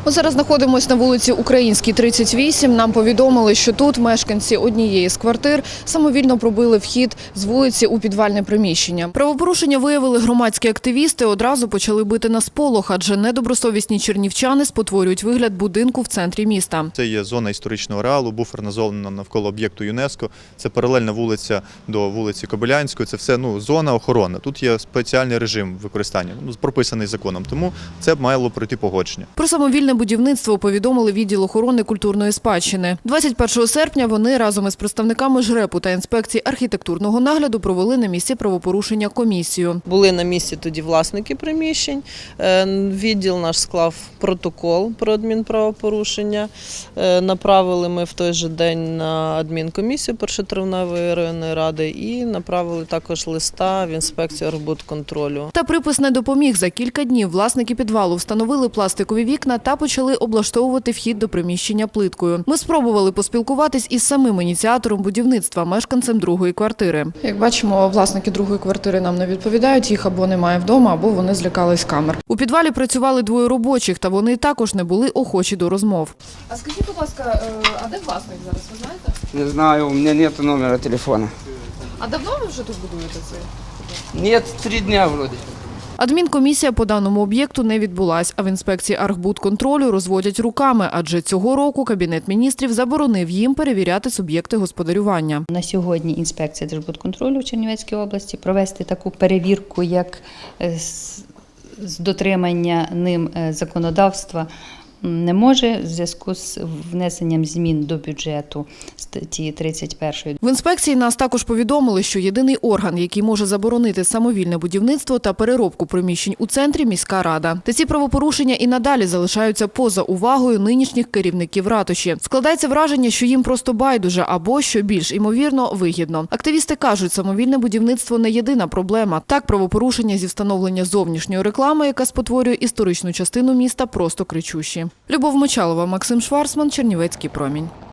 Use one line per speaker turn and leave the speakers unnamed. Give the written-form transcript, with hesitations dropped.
Ми зараз знаходимося на вулиці Українській, 38. Нам повідомили, що тут мешканці однієї з квартир самовільно пробили вхід з вулиці у підвальне приміщення. Правопорушення виявили громадські активісти, одразу почали бити на сполох, адже недобросовісні чернівчани спотворюють вигляд будинку в центрі міста.
Це є зона історичного ареалу, буферна зона навколо об'єкту ЮНЕСКО. Це паралельна вулиця до вулиці Кобилянської. Це все зона охорони. Тут є спеціальний режим використання, прописаний законом. Тому це мало пройти погодження.
Про самовільне будівництво повідомили відділ охорони культурної спадщини. 21 серпня вони разом із представниками ЖРЕПу та інспекції архітектурного нагляду провели на місці правопорушення комісію.
Були на місці тоді власники приміщень. Відділ наш склав протокол про адмінправопорушення. Направили ми в той же день на адмінкомісію Першотравневої районної ради і направили також листа в інспекцію архбудконтролю.
Та припис не допоміг. За кілька днів власники підвалу встановили пластикові вікна та почали облаштовувати вхід до приміщення плиткою. Ми спробували поспілкуватись із самим ініціатором будівництва, мешканцем другої квартири. Як бачимо, власники другої квартири нам не відповідають, їх або немає вдома, або вони злякались камер. У підвалі працювали двоє робочих, та вони також не були охочі до розмов. А скажіть, будь ласка, а де власник зараз, ви знаєте?
Не знаю, у меня нет номера телефона.
А давно ви вже тут будуєте це?
Нет, 3 дня вроде.
Адмінкомісія по даному об'єкту не відбулась, а в інспекції архбудконтролю розводять руками, адже цього року Кабінет міністрів заборонив їм перевіряти суб'єкти господарювання.
На сьогодні інспекція Держбудконтролю в Чернівецькій області провести таку перевірку, як з дотримання ним законодавства, не може в зв'язку з внесенням змін до бюджету статті 31.
В інспекції нас також повідомили, що єдиний орган, який може заборонити самовільне будівництво та переробку приміщень у центрі – міська рада. Та ці правопорушення і надалі залишаються поза увагою нинішніх керівників ратуші. Складається враження, що їм просто байдуже або, що більш імовірно, вигідно. Активісти кажуть, самовільне будівництво не єдина проблема. Так, правопорушення зі встановлення зовнішньої реклами, яка спотворює історичну частину міста, просто кричущі. Любов Мочалова, Максим Шварцман, Чернівецький промінь.